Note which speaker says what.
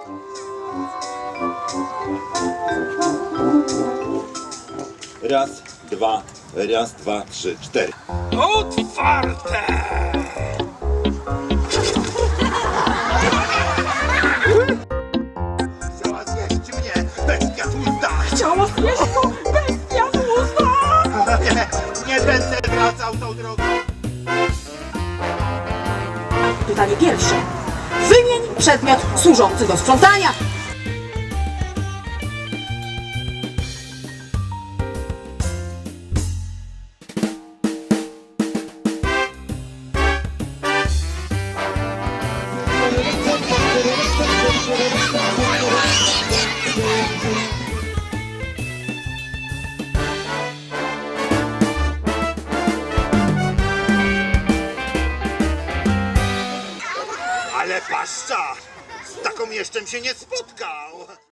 Speaker 1: Raz, dwa, trzy, cztery.
Speaker 2: Otwarte!
Speaker 1: Chciała zjeść mnie, bestia tłusta!
Speaker 2: Chciała zjeść go bestia tłusta!
Speaker 1: Nie będę wracał tą drogą!
Speaker 3: Pytanie pierwsze. Wymień przedmiot służący do sprzątania.
Speaker 1: Ale paszcza! Z taką jeszcze się nie spotkał!